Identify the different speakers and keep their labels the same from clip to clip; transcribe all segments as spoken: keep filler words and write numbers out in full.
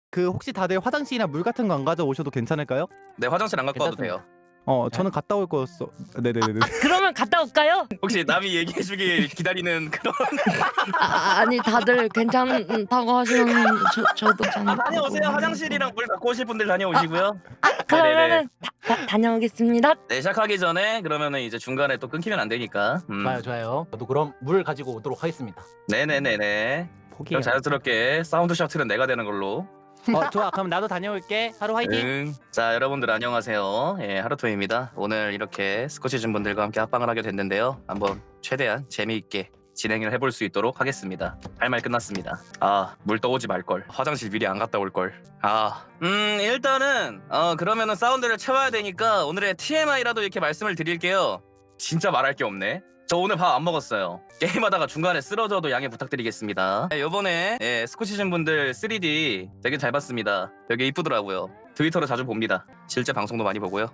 Speaker 1: 그 혹시 다들 화장실이나 물 같은 거 안 가져오셔도 괜찮을까요?
Speaker 2: 네, 화장실 안 갖고 와도 돼요.
Speaker 1: 어 저는 갔다 올 거였어. 네네네.
Speaker 3: 아, 그러면 갔다 올까요?
Speaker 2: 혹시 남이 얘기해주길 기다리는 그런.
Speaker 3: 아, 아니 다들 괜찮다고 하시면 저, 저도 참
Speaker 2: 아, 다녀오세요. 화장실이랑 물 갖고 오실 분들 다녀오시고요.
Speaker 3: 아, 그러면은 다, 다, 다녀오겠습니다.
Speaker 2: 네, 시작하기 전에 그러면은 이제 중간에 또 끊기면 안 되니까. 음.
Speaker 4: 좋아요 좋아요. 저도 그럼 물 가지고 오도록 하겠습니다.
Speaker 2: 네네네네.
Speaker 1: 포기.
Speaker 2: 그럼 자연스럽게 사운드 셔틀은 내가 되는 걸로.
Speaker 1: 어 좋아. 그럼 나도 다녀올게. 하루 화이팅.
Speaker 2: 응. 자, 여러분들 안녕하세요. 예, 하루토입니다. 오늘 이렇게 스코치즌 분들과 함께 합방을 하게 됐는데요. 한번 최대한 재미있게 진행을 해볼 수 있도록 하겠습니다. 할 말 끝났습니다. 아, 물 떠오지 말걸. 화장실 미리 안 갔다 올걸. 아, 음, 일단은 어 그러면은 사운드를 채워야 되니까 오늘의 티엠아이라도 이렇게 말씀을 드릴게요. 진짜 말할 게 없네. 저 오늘 밥 안 먹었어요. 게임하다가 중간에 쓰러져도 양해 부탁드리겠습니다. 네, 요번에 예, 스코치즌 분들 쓰리디 되게 잘 봤습니다. 되게 이쁘더라고요. 트위터로 자주 봅니다. 실제 방송도 많이 보고요.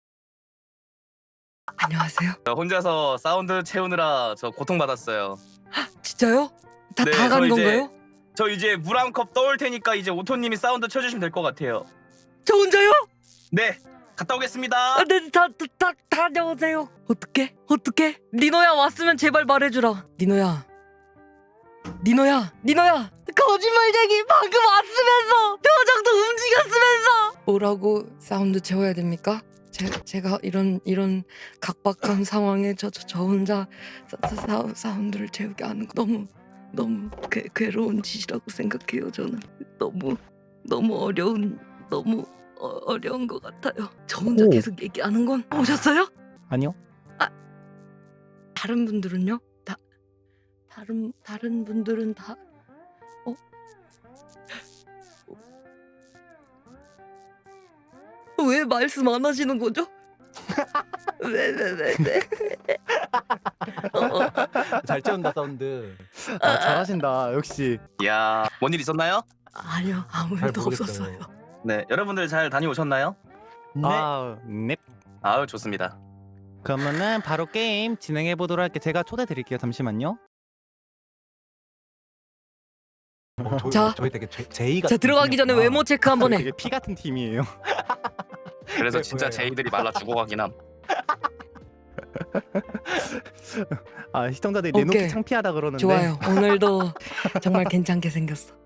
Speaker 3: 안녕하세요.
Speaker 2: 저 혼자서 사운드 채우느라 저 고통받았어요.
Speaker 3: 진짜요? 다
Speaker 2: 네,
Speaker 3: 다 간
Speaker 2: 저 이제-
Speaker 3: 건가요?
Speaker 2: 저 이제 물 한 컵 떠올 테니까 이제 오토님이 사운드 쳐주시면 될 것 같아요.
Speaker 3: 저 혼자요?
Speaker 2: 네, 갔다 오겠습니다.
Speaker 3: 아, 네, 다, 다, 다 다녀오세요. 어떡해? 어떡해? 니노야 왔으면 제발 말해주라. 니노야. 니노야, 니노야. 거짓말쟁이 방금 왔으면서 표정도 움직였으면서. 뭐라고 사운드 채워야 됩니까? 제, 제가 이런 이런 각박한 상황에 저 저 저 혼자 사, 사, 사운드를 채우게 하는 거 너무 너무 괴, 괴로운 짓이라고 생각해요. 저는 너무 너무 어려운 너무 어, 어려운 것 같아요. 저 혼자
Speaker 1: 오.
Speaker 3: 계속 얘기하는 건 오셨어요?
Speaker 1: 아니요.
Speaker 3: 다른 분들은요? 다 다른 다른 분들은 다 어? 어, 왜 말씀 안 하시는 거죠? 왜 왜 왜 왜? 어, 어,
Speaker 4: 잘 채운다 사운드.
Speaker 1: 아, 잘하신다. 역시.
Speaker 2: 이야, 뭔 일 있었나요?
Speaker 3: 아니요 아무
Speaker 4: 잘
Speaker 3: 일도
Speaker 4: 모르겠어요.
Speaker 3: 없었어요.
Speaker 2: 네, 여러분들 잘 다녀오셨나요?
Speaker 4: 네.
Speaker 1: 아 넵.
Speaker 2: 아유, 좋습니다.
Speaker 1: 그러면은 바로 게임 진행해 보도록 할게. 제가 초대 드릴게요. 잠시만요.
Speaker 4: 어, 저,
Speaker 3: 자.
Speaker 4: 저희 되게 제, 제이가.
Speaker 3: 자 들어가기 전에 외모 체크 한번 해.
Speaker 1: 되게 피 같은 팀이에요.
Speaker 2: 그래서
Speaker 4: 네,
Speaker 2: 진짜
Speaker 4: 보여요.
Speaker 2: 제이들이 말라 죽어가긴 함.
Speaker 1: 아 시청자들이 내놓기
Speaker 3: 오케이.
Speaker 1: 창피하다 그러는데.
Speaker 3: 좋아요. 오늘도 정말 괜찮게 생겼어.